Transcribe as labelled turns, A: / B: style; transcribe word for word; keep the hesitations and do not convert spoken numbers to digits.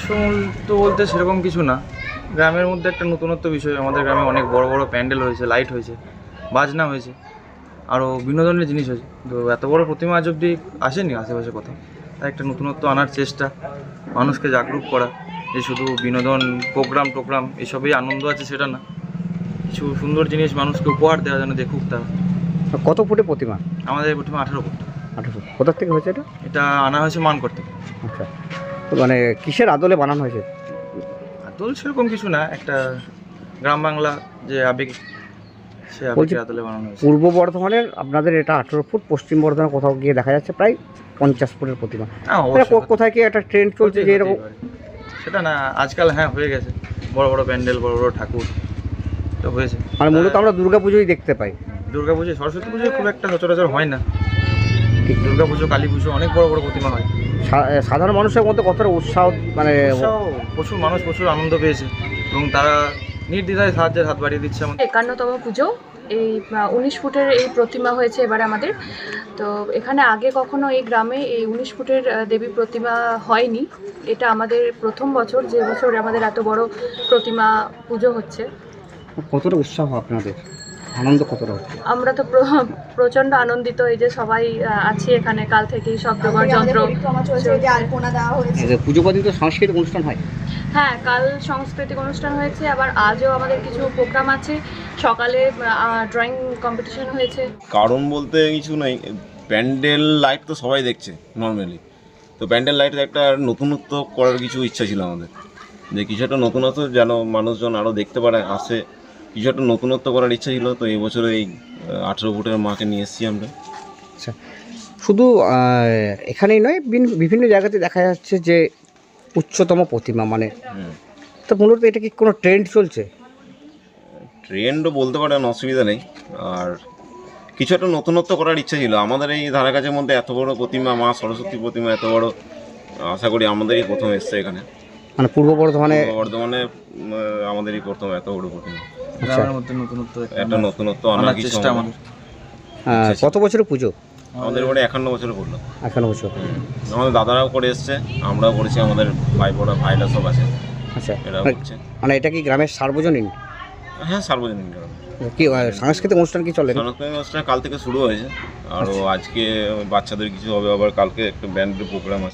A: তো বলতে সেরকম কিছু না, গ্রামের মধ্যে একটা নতুনত্ব বিষয়। আমাদের গ্রামে অনেক বড় বড় প্যান্ডেল হয়েছে, লাইট হয়েছে, বাজনা হয়েছে, আরও বিনোদনের জিনিস হয়েছে। তো এত বড় প্রতিমা আজ অব্দি আসেনি আশেপাশে কোথাও। তাই একটা নতুনত্ব আনার চেষ্টা, মানুষকে জাগরুক করা যে শুধু বিনোদন প্রোগ্রাম টোগ্রাম এসবেই আনন্দ আছে সেটা না, কিছু সুন্দর জিনিস মানুষকে উপহার দেওয়া যেন দেখুক তারা।
B: কত ফুটে প্রতিমা?
A: আমাদের প্রতিমা আঠারো ফুট।
B: আঠারো ফুট। কোথা থেকে হয়েছে এটা?
A: এটা আনা হয়েছে মানকর থেকে।
B: আচ্ছা, তো মানে কিসের আদলে বানানো হয়েছে?
A: আদল সেরকম কিছু না, একটা গ্রাম বাংলা যে আবেগ, সে
B: বলছি,
A: আবেগের আদলে বানানো হয়েছে।
B: পূর্ব বর্ধমানের আপনাদের এটা আঠেরো ফুট, পশ্চিম বর্ধমানে কোথাও গিয়ে দেখা যাচ্ছে প্রায় পঞ্চাশ ফুটের প্রতিমা।
A: হ্যাঁ,
B: এটা
A: অবশ্যই।
B: কো- কোথায় কি একটা ট্রেন্ড চলছে যে এরকম?
A: হতেই পারে। সেটা না, আজকাল হ্যাঁ হয়ে গেছে, বড় বড় প্যান্ডেল, বড় বড় ঠাকুর তো হয়েছে।
B: মানে মূলত আমরা দুর্গা পুজোই দেখতে পাই।
A: দুর্গা পুজো, সরস্বতী পুজো খুব একটা সচরাচর হয় না। ঠিক দুর্গা পুজো, কালী পুজো অনেক বড় বড় প্রতিমা হয়।
B: সা- সাধারণ মানুষের মধ্যে কতটা উৎসাহ, মানে
A: উৎসাহ, প্রচুর মানুষ প্রচুর আনন্দ পেয়েছে এবং তারা নির্দ্বিধায় সাহায্যের হাত বাড়িয়ে দিচ্ছে আমাদের।
C: একান্নতম পুজো, এই উনিশ ফুটের এই প্রতিমা হয়েছে এবার আমাদের। তো এখানে আগে কখনো এই গ্রামে এই উনিশ ফুটের আহ, দেবী প্রতিমা হয়নি। এটা আমাদের প্রথম বছর, যে বছর আমাদের এত বড় প্রতিমা পুজো হচ্ছে।
B: কতটা উৎসাহ আপনাদের, আনন্দ কতটা হচ্ছে?
C: আমরা তো প্র- প্রচণ্ড আনন্দিত, এই যে সবাই আহ, আছি এখানে কাল থেকেই, সব জোগাড় যন্ত্র
B: এই যে পুজো পর্যন্ত সাংস্কৃতিক অনুষ্ঠান হয়।
C: হ্যাঁ, কাল সাংস্কৃতিক অনুষ্ঠান হয়েছে, আবার আজও আমাদের কিছু প্রোগ্রাম আছে। সকালে ড্রয়িং কম্পিটিশন হয়েছে।
D: কারণ বলতে কিছু নেই, প্যান্ডেল লাইট তো সবাই দেখছে নর্মালি, তো প্যান্ডেল লাইটের একটা নতুনত্ব করার কিছু ইচ্ছা ছিল আমাদের, যে কিছু একটা নতুনত্ব যেন মানুষজন আরও দেখতে পারে, আসে, কিছু একটা নতুনত্ব করার ইচ্ছা ছিল। তো এই বছর এই আঠেরো ফুটের মাকে নিয়ে এসেছি আমরা।
B: আচ্ছা, শুধু আহ, এখানেই নয়, বিন- বিভিন্ন জায়গাতে দেখা যাচ্ছে যে উচ্চতম প্রতিমা, মানে
D: হুম,
B: তো মূলত এটা কি কোনো ট্রেন্ড চলছে?
D: ট্রেন্ডও বলতে পারেন, অসুবিধা নেই। আর কিছু একটা নতুনত্ব করার ইচ্ছা ছিল আমাদের এই ধারে কাছের মধ্যে। এত বড় প্রতিমা, মা সরস্বতী প্রতিমা এত বড়, আশা করি আমাদেরই প্রথম এসছে এখানে
B: মানে পূর্ব বর্ধমানে।
D: পূর্ব বর্ধমানে উম, আমাদেরই প্রথম এত বড় প্রতিমা।
B: আচ্ছা,
A: গ্রামের মধ্যে নতুনত্ব
D: একটা নতুনত্ব আনার
A: আনার
D: কিছু
A: চেষ্টা
D: আমাদের।
A: আমাদের।
B: আহ, কত বছরের পুজো?
D: আমাদের এবারে একান্ন বছরে পড়লো।
B: একান্ন বছর।
D: আমাদের দাদারাও করে এসছে, আমরাও করেছি, আমাদের ভাই বোরা ভাইরা সব আছে,
B: আচ্ছা,
D: এরাও
B: মানে-
D: করছে।
B: মানে এটা কি গ্রামের সার্বজনীন
D: হ্যাঁ, সার্বজনীন গ্রাম।
B: কি আহ, সাংস্কৃতিক অনুষ্ঠান কি চলে?
D: সাংস্কৃতিক অনুষ্ঠান কাল থেকে শুরু হয়েছে, আরও আজকে বাচ্চাদের কিছু হবে, আবার কালকে একটা ব্যান্ডের প্রোগ্রাম আছে।